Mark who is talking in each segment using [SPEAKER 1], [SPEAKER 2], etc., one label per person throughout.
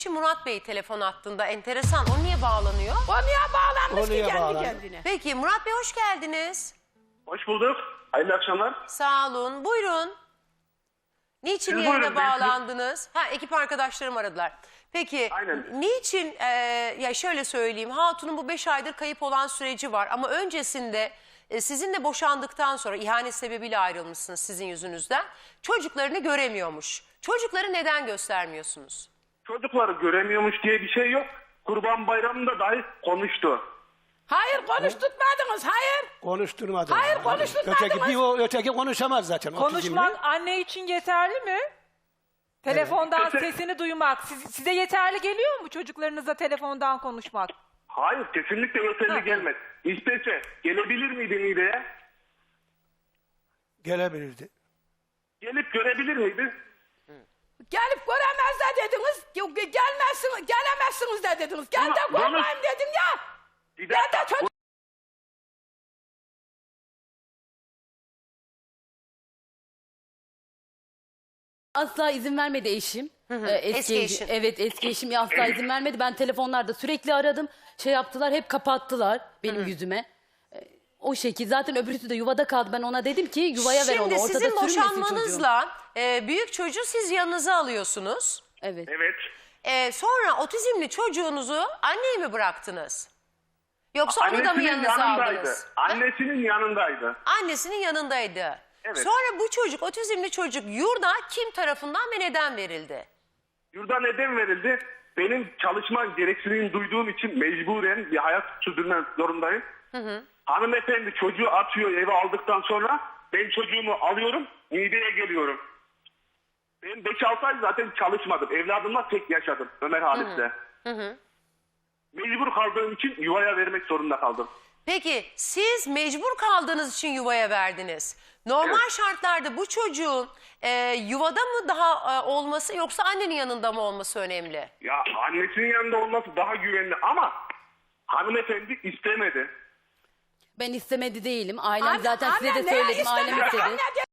[SPEAKER 1] Murat Bey telefon hattında, enteresan. O niye bağlanıyor?
[SPEAKER 2] O niye bağlanmış
[SPEAKER 3] O niye
[SPEAKER 2] ki kendi
[SPEAKER 3] bağlandı?
[SPEAKER 2] kendine?
[SPEAKER 1] Peki Murat Bey hoş geldiniz.
[SPEAKER 4] Hoş bulduk. Hayırlı akşamlar.
[SPEAKER 1] Sağ olun. Buyurun. Niçin
[SPEAKER 4] Siz
[SPEAKER 1] yayına
[SPEAKER 4] buyurun, ben
[SPEAKER 1] bağlandınız? Ekip arkadaşlarım aradılar. Peki
[SPEAKER 4] Aynen.
[SPEAKER 1] niçin ya şöyle söyleyeyim, Hatun'un bu 5 aydır kayıp olan süreci var ama öncesinde sizinle boşandıktan sonra ihanet sebebiyle ayrılmışsınız sizin yüzünüzden. Çocuklarını göremiyormuş. Çocukları neden göstermiyorsunuz?
[SPEAKER 4] Çocukları göremiyormuş diye bir şey yok. Kurban Bayramı'nda dahi konuştu.
[SPEAKER 2] Hayır konuşturmadınız, hayır.
[SPEAKER 3] Konuşturmadı.
[SPEAKER 2] Hayır, konuşturmadınız.
[SPEAKER 3] Öteki konuşamaz zaten.
[SPEAKER 5] Konuşmak anne için yeterli mi? Telefondan
[SPEAKER 4] Evet.
[SPEAKER 5] sesini duymak. Size yeterli geliyor mu çocuklarınızla telefondan konuşmak?
[SPEAKER 4] Hayır, kesinlikle yeterli gelmez. İstese gelebilir miydi Niğde'ye?
[SPEAKER 3] Gelebilirdi.
[SPEAKER 4] Gelip görebilir miydi?
[SPEAKER 2] Gelip göremez de dediniz. Gelmezsiniz, gelemezsiniz de dediniz. Gel de
[SPEAKER 4] Ama
[SPEAKER 2] görmeyeyim dedim ya.
[SPEAKER 4] Bir
[SPEAKER 2] Gel de
[SPEAKER 4] dakika.
[SPEAKER 2] çocuk...
[SPEAKER 6] Asla izin vermedi eşim.
[SPEAKER 1] Eski eşin.
[SPEAKER 6] Evet, eski eşim asla izin vermedi. Ben telefonlarda sürekli aradım. Şey yaptılar, hep kapattılar benim yüzüme. O şekil. Zaten öbürüsü de yuvada kaldı. Ben ona dedim ki yuvaya ver onu.
[SPEAKER 1] Şimdi
[SPEAKER 6] Ortada
[SPEAKER 1] sizin
[SPEAKER 6] sürünmesin çocuğum.
[SPEAKER 1] boşanmanızla büyük çocuğu siz yanınıza alıyorsunuz.
[SPEAKER 6] Evet.
[SPEAKER 4] Evet.
[SPEAKER 1] Sonra otizmli çocuğunuzu anneye mi bıraktınız? Yoksa onu da mı yanınıza aldınız?
[SPEAKER 4] Annesinin yanındaydı.
[SPEAKER 1] Annesinin yanındaydı.
[SPEAKER 4] Evet.
[SPEAKER 1] Sonra bu çocuk, otizmli çocuk yurda kim tarafından ve neden verildi?
[SPEAKER 4] Yurda neden verildi? Benim çalışma gereksinimini duyduğum için mecburen bir hayat sürdürmek zorundayım. Hanımefendi çocuğu atıyor eve aldıktan sonra ben çocuğumu alıyorum, Niğde'ye geliyorum. Ben 5-6 ay zaten çalışmadım. Evladımla tek yaşadım Ömer Halis'le. Mecbur kaldığım için yuvaya vermek zorunda kaldım.
[SPEAKER 1] Peki siz mecbur kaldığınız için yuvaya verdiniz. Normal
[SPEAKER 4] Evet.
[SPEAKER 1] şartlarda bu çocuğun yuvada mı daha olması yoksa annenin yanında mı olması önemli?
[SPEAKER 4] Ya annesinin yanında olması daha güvenli ama hanımefendi istemedi.
[SPEAKER 6] Ben istemedi değilim. Ailem
[SPEAKER 2] Anne,
[SPEAKER 6] zaten size de
[SPEAKER 2] anne, neye
[SPEAKER 6] söyledim. Ailem
[SPEAKER 2] istemedi?
[SPEAKER 6] istedi.
[SPEAKER 2] Anne de-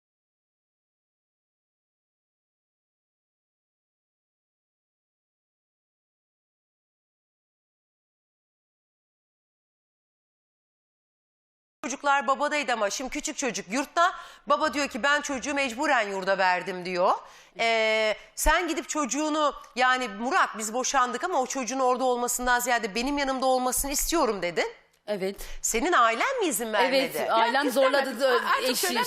[SPEAKER 1] Çocuklar babadaydı ama şimdi küçük çocuk yurtta. Baba diyor ki ben çocuğu mecburen yurda verdim diyor. Sen gidip çocuğunu, yani Murat biz boşandık ama o çocuğun orada olmasından ziyade benim yanımda olmasını istiyorum dedin.
[SPEAKER 6] Evet.
[SPEAKER 1] Senin ailen mi izin vermedi?
[SPEAKER 6] Evet. Ailem zorladı.
[SPEAKER 2] istemedim. Artık söyle,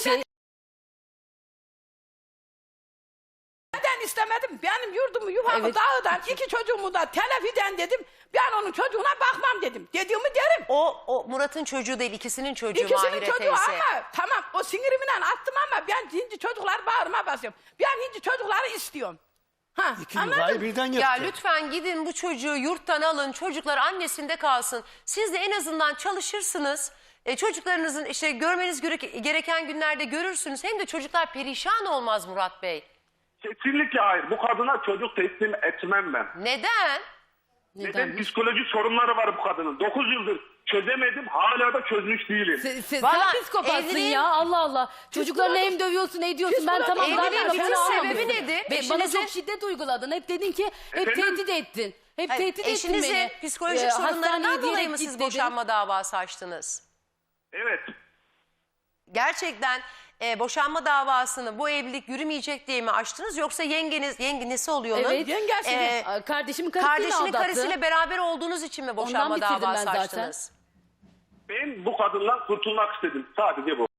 [SPEAKER 2] Neden istemedim? Benim yurdumu, yuvamı
[SPEAKER 6] Evet.
[SPEAKER 2] dağıdan, 2 çocuğumu da telef eden dedim. Ben onun çocuğuna bakmam dedim. Dediğimi derim.
[SPEAKER 1] O Murat'ın çocuğu değil, ikisinin çocuğu
[SPEAKER 2] İkisinin
[SPEAKER 1] Mahire
[SPEAKER 2] çocuğu
[SPEAKER 1] teyze.
[SPEAKER 2] ama tamam o sinirimi attım ama ben hindi çocuklar bağrıma basıyorum. Ben hindi çocukları istiyorum. Ha,
[SPEAKER 3] İki
[SPEAKER 2] anladın
[SPEAKER 3] yuvayı
[SPEAKER 2] mı?
[SPEAKER 3] birden yıktı.
[SPEAKER 1] Ya lütfen gidin bu çocuğu yurttan alın, çocuklar annesinde kalsın. Siz de en azından çalışırsınız. Çocuklarınızın işte görmeniz gereken günlerde görürsünüz. Hem de çocuklar perişan olmaz Murat Bey.
[SPEAKER 4] Kesinlikle hayır. Bu kadına çocuk teslim etmem ben.
[SPEAKER 1] Neden?
[SPEAKER 4] Neden?
[SPEAKER 6] Nedenmiş?
[SPEAKER 4] Psikolojik sorunları var bu kadının. 9 yıldır çözemedim. Hala da çözmüş değilim.
[SPEAKER 6] Sen
[SPEAKER 1] Vallahi
[SPEAKER 6] psikopatsın
[SPEAKER 1] evliliğin-
[SPEAKER 6] ya. Allah Allah. Çocuklarını hem dövüyorsun, ediyorsun. Ben tamam
[SPEAKER 1] Evliliğin
[SPEAKER 6] zaten
[SPEAKER 1] bütün
[SPEAKER 6] lafını
[SPEAKER 1] sebebi
[SPEAKER 6] almamışsın.
[SPEAKER 1] nedir?
[SPEAKER 6] Bana
[SPEAKER 1] Eşinizin-
[SPEAKER 6] çok şiddet uyguladın. Hep dedin ki hep
[SPEAKER 4] Efendim?
[SPEAKER 6] tehdit ettin. Hep
[SPEAKER 1] Hayır,
[SPEAKER 6] tehdit ettin
[SPEAKER 1] eşinizin
[SPEAKER 6] beni.
[SPEAKER 1] psikolojik sorunlarından
[SPEAKER 6] Hastaneye
[SPEAKER 1] dolayı
[SPEAKER 6] diyerek
[SPEAKER 1] mı
[SPEAKER 6] git
[SPEAKER 1] siz
[SPEAKER 6] dedin.
[SPEAKER 1] boşanma davası açtınız?
[SPEAKER 4] Evet.
[SPEAKER 1] Gerçekten boşanma davasını bu evlilik yürümeyecek diye mi açtınız? Yoksa yengenesi oluyor onun?
[SPEAKER 6] Evet.
[SPEAKER 2] Yengesi.
[SPEAKER 6] Kardeşimin karısıyla
[SPEAKER 1] Kardeşinin
[SPEAKER 6] aldattı.
[SPEAKER 1] karısıyla beraber olduğunuz için mi boşanma
[SPEAKER 6] bitirdim ben
[SPEAKER 1] davası
[SPEAKER 6] zaten.
[SPEAKER 1] açtınız?
[SPEAKER 4] Ben bu kadından kurtulmak istedim. Sadece bu.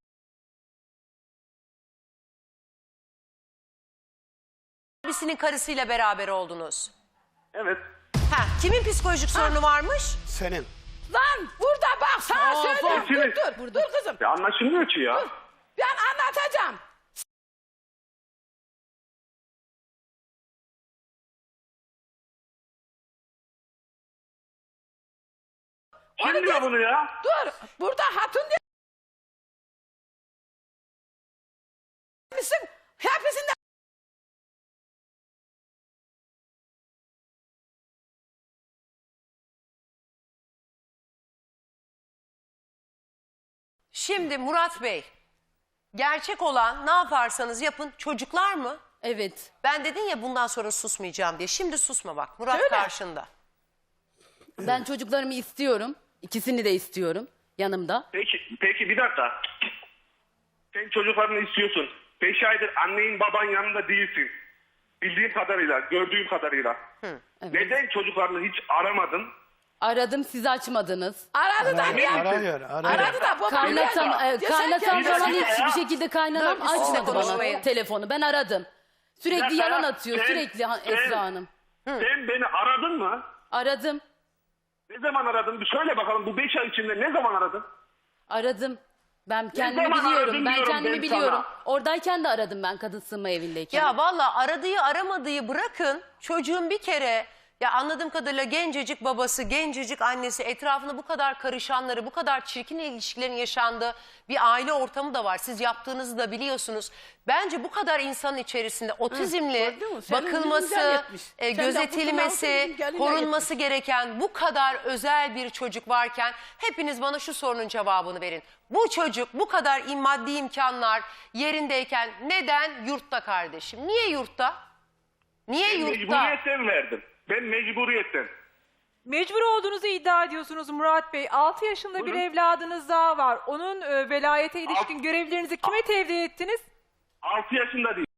[SPEAKER 1] Abisinin karısıyla beraber oldunuz.
[SPEAKER 4] Evet.
[SPEAKER 1] Kimin psikolojik sorunu varmış?
[SPEAKER 3] Senin.
[SPEAKER 2] Lan burada bak sana söylüyorum.
[SPEAKER 4] Eşiniz.
[SPEAKER 2] Dur kızım.
[SPEAKER 4] Ya anlaşılmıyor ki ya.
[SPEAKER 2] Ben anlatacağım.
[SPEAKER 4] Kim diyor bunu ya?
[SPEAKER 2] Dur. Burada hatun misin? Hepsinde
[SPEAKER 1] Şimdi Murat Bey, gerçek olan ne yaparsanız yapın çocuklar mı?
[SPEAKER 6] Evet.
[SPEAKER 1] Ben dedin ya bundan sonra susmayacağım diye. Şimdi susma bak. Murat
[SPEAKER 2] Öyle.
[SPEAKER 1] karşında.
[SPEAKER 6] Ben çocuklarımı istiyorum. İkisini de istiyorum yanımda.
[SPEAKER 4] Peki bir dakika. Sen çocuklarını istiyorsun. 5 aydır annenin baban yanında değilsin. Bildiğim kadarıyla, gördüğüm kadarıyla.
[SPEAKER 6] Evet.
[SPEAKER 4] Neden çocuklarını hiç aramadın?
[SPEAKER 6] Aradım, siz açmadınız.
[SPEAKER 2] Aradı da ya.
[SPEAKER 3] Arıyor.
[SPEAKER 2] Aradı da bu
[SPEAKER 6] Kaynatam
[SPEAKER 2] Geçen
[SPEAKER 6] falan
[SPEAKER 4] dakika ya.
[SPEAKER 6] hiçbir şekilde kaynanam
[SPEAKER 1] Dur, sizinle
[SPEAKER 6] açmadı bana
[SPEAKER 1] konuşmayın.
[SPEAKER 6] telefonu. Ben aradım. Sürekli
[SPEAKER 4] dakika
[SPEAKER 6] yalan
[SPEAKER 4] ya.
[SPEAKER 6] atıyor,
[SPEAKER 4] Sen-
[SPEAKER 6] sürekli
[SPEAKER 4] sen-
[SPEAKER 6] Esra Hanım.
[SPEAKER 4] Sen beni aradın mı?
[SPEAKER 6] Aradım,
[SPEAKER 4] Ne zaman aradın? Bir söyle bakalım, bu 5 ay içinde ne zaman aradın?
[SPEAKER 6] aradım. Ben kendimi
[SPEAKER 4] zaman
[SPEAKER 6] biliyorum,
[SPEAKER 4] aradın
[SPEAKER 6] ben
[SPEAKER 4] diyorum
[SPEAKER 6] kendimi
[SPEAKER 4] ben
[SPEAKER 6] biliyorum.
[SPEAKER 4] sana.
[SPEAKER 6] Oradayken de aradım ben kadın sığınma evindeyken.
[SPEAKER 1] Ya valla aradığı aramadığı bırakın. Çocuğun bir kere ya anladığım kadarıyla gencecik babası, gencecik annesi, etrafında bu kadar karışanları, bu kadar çirkin ilişkilerin yaşandığı bir aile ortamı da var. Siz yaptığınızı da biliyorsunuz. Bence bu kadar insanın içerisinde otizmli
[SPEAKER 2] gördün mü? Senin
[SPEAKER 1] bakılması,
[SPEAKER 2] yüzünden yetmiş. Senden
[SPEAKER 1] gözetilmesi,
[SPEAKER 2] kurtulan otizm geline
[SPEAKER 1] korunması gereken bu kadar özel bir çocuk varken hepiniz bana şu sorunun cevabını verin. Bu çocuk bu kadar maddi imkanlar yerindeyken neden yurtta kardeşim? Niye yurtta? Niye yurtta?
[SPEAKER 4] Mecburiyetten verdim. Ben mecburiyetten.
[SPEAKER 5] Mecbur olduğunuzu iddia ediyorsunuz Murat Bey. 6 yaşında bir
[SPEAKER 4] Buyurun.
[SPEAKER 5] evladınız daha var. Onun velayete ilişkin görevlerinizi kime tevdi ettiniz?
[SPEAKER 4] 6 yaşında değil.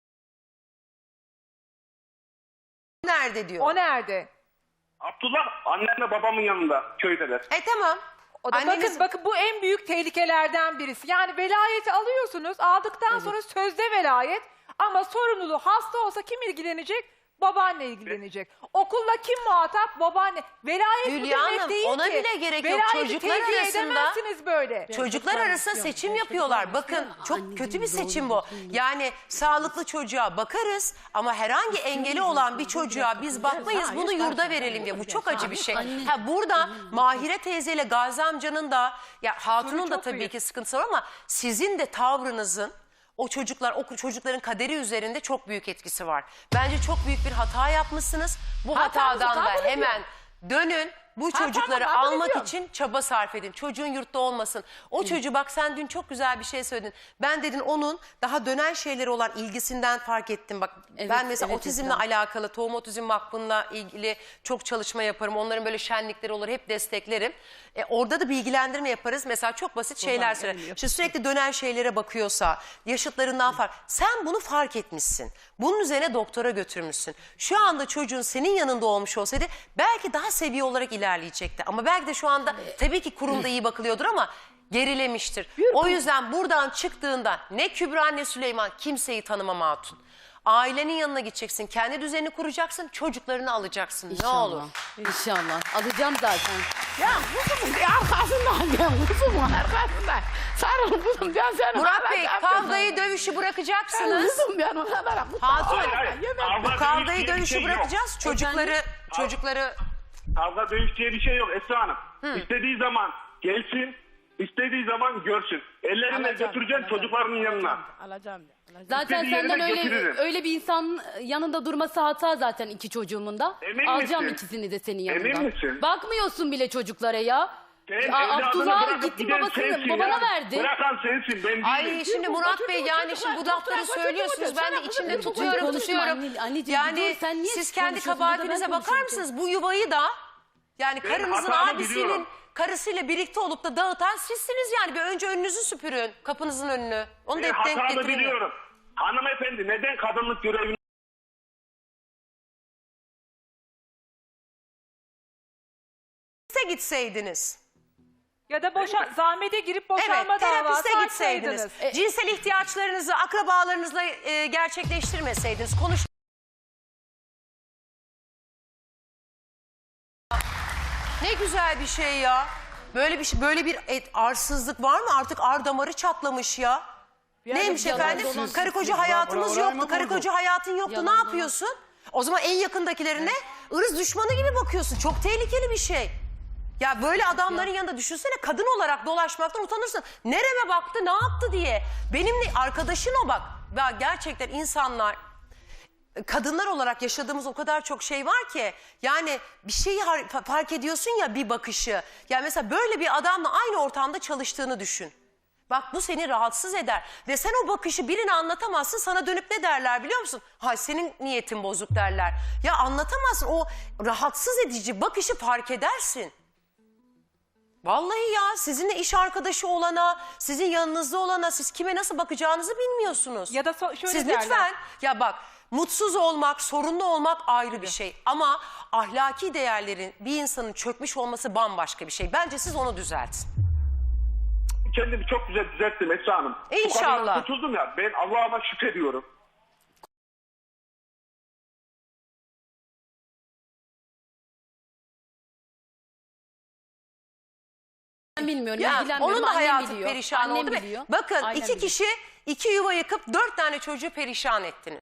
[SPEAKER 1] Nerede diyor?
[SPEAKER 5] O nerede?
[SPEAKER 4] Abdullah annemle babamın yanında, köydeler.
[SPEAKER 1] Tamam.
[SPEAKER 5] O da
[SPEAKER 1] Anneniz-
[SPEAKER 5] bakın bu en büyük tehlikelerden birisi. Yani velayeti alıyorsunuz. Aldıktan sonra sözde velayet ama sorumluluğu hasta olsa kim ilgilenecek? Babaanne ilgilenecek. Okulla kim muhatap? Babaanne. Velayet bu
[SPEAKER 1] Hülya
[SPEAKER 5] demek
[SPEAKER 1] Hanım,
[SPEAKER 5] değil
[SPEAKER 1] ona
[SPEAKER 5] ki.
[SPEAKER 1] bile gerek yok.
[SPEAKER 5] Velayeti
[SPEAKER 1] Çocuklar
[SPEAKER 5] tevdi
[SPEAKER 1] arasında-
[SPEAKER 5] edemezsiniz böyle.
[SPEAKER 1] Çocuklar arasında seçim yapıyorlar. Bakın çok kötü bir seçim bu. Yani sağlıklı çocuğa bakarız ama herhangi engeli olan bir çocuğa biz bakmayız. Bunu yurda verelim diye. Bu çok acı bir şey. Ha burada Mahire teyzeyle Gazi amcanın da ya Hatun'un da
[SPEAKER 5] çok
[SPEAKER 1] tabii
[SPEAKER 5] büyük.
[SPEAKER 1] ki sıkıntısı var ama sizin de tavrınızın o çocukların kaderi üzerinde çok büyük etkisi var. Bence çok büyük bir hata yapmışsınız. Bu
[SPEAKER 2] Hatamızı
[SPEAKER 1] hatadan da
[SPEAKER 2] kabul ediyorum.
[SPEAKER 1] hemen dönün. Bu
[SPEAKER 2] Hatamı
[SPEAKER 1] çocukları
[SPEAKER 2] kabul
[SPEAKER 1] almak
[SPEAKER 2] ediyorum.
[SPEAKER 1] için çaba sarf edin. Çocuğun yurtta olmasın. O çocuğu bak sen dün çok güzel bir şey söyledin. Ben dedin onun daha dönen şeyleri olan ilgisinden fark ettim. Bak
[SPEAKER 6] Evet,
[SPEAKER 1] ben mesela
[SPEAKER 6] evet,
[SPEAKER 1] otizmle
[SPEAKER 6] Esra.
[SPEAKER 1] alakalı Tohum Otizm Vakfı'nla ilgili çok çalışma yaparım. Onların böyle şenlikleri olur hep desteklerim. Orada da bilgilendirme yaparız. Mesela çok basit şeyler söyler. İşte sürekli dönen şeylere bakıyorsa yaşıtlarından fark. Sen bunu fark etmişsin. Bunun üzerine doktora götürmüşsün. Şu anda çocuğun senin yanında olmuş olsaydı belki daha seviye olarak ilerleyecekti. Ama belki de şu anda tabii ki kurumda iyi bakılıyordur ama gerilemiştir. O yüzden buradan çıktığında ne Kübra ne Süleyman kimseyi tanımam Hatun. Ailenin yanına gideceksin. Kendi düzenini kuracaksın. Çocuklarını alacaksın. Ne olur.
[SPEAKER 6] İnşallah. Alacağım zaten.
[SPEAKER 2] Ya kuzum arkasından ben kuzum arkasından. Sarıl kuzum ben seni.
[SPEAKER 1] Murat Bey
[SPEAKER 2] alacağım.
[SPEAKER 1] kavgayı dövüşü bırakacaksınız.
[SPEAKER 2] Kuzum ben o kadar.
[SPEAKER 1] Hatun
[SPEAKER 4] Kavga,
[SPEAKER 1] kavgayı
[SPEAKER 4] dövüş diye bir
[SPEAKER 1] dövüşü
[SPEAKER 4] şey yok.
[SPEAKER 1] bırakacağız. Çocukları
[SPEAKER 4] Kavga dövüş diye bir şey yok Esra Hanım. İstediği zaman gelsin, istediği zaman görsün. Ellerimle götüreceğim çocuklarının yanına.
[SPEAKER 2] Alacağım.
[SPEAKER 6] Zaten
[SPEAKER 4] İstediği
[SPEAKER 6] senden
[SPEAKER 4] yerine getiririm.
[SPEAKER 6] öyle bir insan yanında durması hata zaten iki çocuğumun da.
[SPEAKER 4] Emin
[SPEAKER 6] Alacağım
[SPEAKER 4] misin?
[SPEAKER 6] ikisini de senin yanında.
[SPEAKER 4] Emin misin?
[SPEAKER 6] Bakmıyorsun bile çocuklara ya.
[SPEAKER 4] Sen
[SPEAKER 6] Aa,
[SPEAKER 4] evladını
[SPEAKER 6] Abdullah
[SPEAKER 4] bırakıp
[SPEAKER 6] gitti
[SPEAKER 4] giden
[SPEAKER 6] babasını
[SPEAKER 4] sensin
[SPEAKER 6] babana
[SPEAKER 4] ya.
[SPEAKER 6] verdi.
[SPEAKER 4] Bırakan sensin ben değilim.
[SPEAKER 1] Ay şimdi Murat Bey yani şimdi bu lafları söylüyorsunuz. Ben de içimde tutuyorum.
[SPEAKER 6] Anneciğim,
[SPEAKER 1] Yani
[SPEAKER 6] dur, sen niye
[SPEAKER 1] siz kendi
[SPEAKER 6] konuşuyorsun? Burada
[SPEAKER 1] kabahatinize
[SPEAKER 6] ben
[SPEAKER 1] bakar
[SPEAKER 6] konuşuyorum.
[SPEAKER 1] mısınız? Bu yuvayı da yani
[SPEAKER 4] Ben
[SPEAKER 1] karınızın
[SPEAKER 4] hatamı
[SPEAKER 1] abisinin
[SPEAKER 4] biliyorum.
[SPEAKER 1] karısıyla birlikte olup da dağıtan sizsiniz yani. Bir önce önünüzü süpürün. Kapınızın önünü. Onu da
[SPEAKER 4] Ben
[SPEAKER 1] hep denk
[SPEAKER 4] hatamı
[SPEAKER 1] getirin.
[SPEAKER 4] biliyorum. Hanımefendi neden kadınlık görevini
[SPEAKER 1] gitseydiniz.
[SPEAKER 5] Ya da zahmete girip
[SPEAKER 1] Evet,
[SPEAKER 5] boşanma davası
[SPEAKER 1] terapiste gitseydiniz.
[SPEAKER 5] açsaydınız.
[SPEAKER 1] Cinsel ihtiyaçlarınızı akrabalarınızla gerçekleştirmeseydiniz. Ne güzel bir şey ya. Böyle bir arsızlık var mı? Artık ar damarı çatlamış ya. Neymiş
[SPEAKER 6] yalan
[SPEAKER 1] efendim?
[SPEAKER 6] dolan.
[SPEAKER 1] Karı koca hayatımız
[SPEAKER 3] Bravo,
[SPEAKER 1] yoktu.
[SPEAKER 3] bravo,
[SPEAKER 1] Karı koca hayatın yoktu.
[SPEAKER 6] Yalan
[SPEAKER 1] Ne
[SPEAKER 6] dolan.
[SPEAKER 1] yapıyorsun? O zaman en yakındakilerine ırz düşmanı gibi bakıyorsun. Çok tehlikeli bir şey. Ya böyle adamların yanında düşünsene kadın olarak dolaşmaktan utanırsın. Nereme baktı, ne yaptı diye. Benimle arkadaşın o bak. Ya gerçekten insanlar, kadınlar olarak yaşadığımız o kadar çok şey var ki. Yani bir şeyi fark ediyorsun ya bir bakışı. Yani mesela böyle bir adamla aynı ortamda çalıştığını düşün. Bak bu seni rahatsız eder. Ve sen o bakışı birine anlatamazsın. Sana dönüp ne derler biliyor musun? Hay senin niyetin bozuk derler. Ya anlatamazsın. O rahatsız edici bakışı fark edersin. Vallahi ya sizinle iş arkadaşı olana, sizin yanınızda olana siz kime nasıl bakacağınızı bilmiyorsunuz.
[SPEAKER 5] Ya da şöyle
[SPEAKER 1] siz
[SPEAKER 5] derler.
[SPEAKER 1] lütfen ya bak mutsuz olmak, sorunlu olmak ayrı bir şey. Ama ahlaki değerlerin bir insanın çökmüş olması bambaşka bir şey. Bence siz onu düzeltin.
[SPEAKER 4] Kendimi çok güzel düzelttim Esra Hanım.
[SPEAKER 1] İnşallah.
[SPEAKER 4] Bu kadından kurtuldum ya. Ben Allah'ıma şükrediyorum.
[SPEAKER 6] Ben bilmiyorum.
[SPEAKER 1] Ya,
[SPEAKER 6] ilgilenmiyorum.
[SPEAKER 1] onun da
[SPEAKER 6] Annem
[SPEAKER 1] hayatı
[SPEAKER 6] biliyor.
[SPEAKER 1] perişan
[SPEAKER 6] Annem
[SPEAKER 1] oldu.
[SPEAKER 6] biliyor.
[SPEAKER 1] Bakın
[SPEAKER 6] Ailem
[SPEAKER 1] iki
[SPEAKER 6] biliyor.
[SPEAKER 1] kişi 2 yuva yıkıp 4 tane çocuğu perişan ettiniz.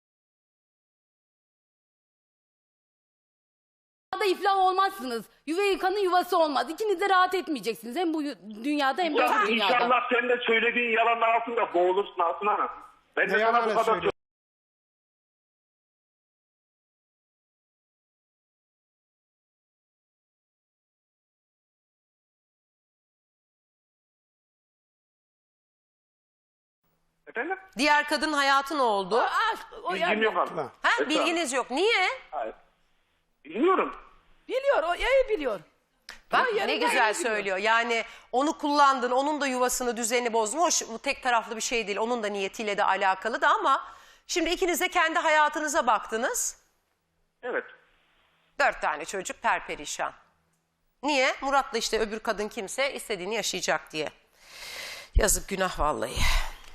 [SPEAKER 6] Dünyada iflah olmazsınız. Yuva yıkanın yuvası olmaz. İkiniz de rahat etmeyeceksiniz. Hem bu dünyada hem de
[SPEAKER 4] Ya
[SPEAKER 6] öbür dünyada.
[SPEAKER 4] inşallah sen de söylediğin yalanlar altında boğulursun Aslı Hanım. Ben de
[SPEAKER 3] Ne
[SPEAKER 4] sana bu
[SPEAKER 3] yalanı
[SPEAKER 4] kadar
[SPEAKER 3] söylüyor?
[SPEAKER 4] Efendim?
[SPEAKER 1] Diğer kadın hayatı ne oldu?
[SPEAKER 2] O
[SPEAKER 4] Bilgim
[SPEAKER 2] yani,
[SPEAKER 4] yok hanım.
[SPEAKER 3] Ha.
[SPEAKER 1] Ha,
[SPEAKER 4] Esra
[SPEAKER 1] bilginiz yok. Niye?
[SPEAKER 4] Hayır. Bilmiyorum.
[SPEAKER 2] biliyor, o iyi biliyor.
[SPEAKER 1] Bak
[SPEAKER 2] Ama
[SPEAKER 1] ne
[SPEAKER 2] yanında
[SPEAKER 1] güzel
[SPEAKER 2] iyi biliyor.
[SPEAKER 1] söylüyor. Yani onu kullandın, onun da yuvasını, düzenini bozdun. Hoş bu tek taraflı bir şey değil. Onun da niyetiyle de alakalı da ama şimdi ikiniz de kendi hayatınıza baktınız.
[SPEAKER 4] Evet.
[SPEAKER 1] 4 tane çocuk perperişan. Niye? Murat'la işte öbür kadın kimse istediğini yaşayacak diye. Yazık günah vallahi.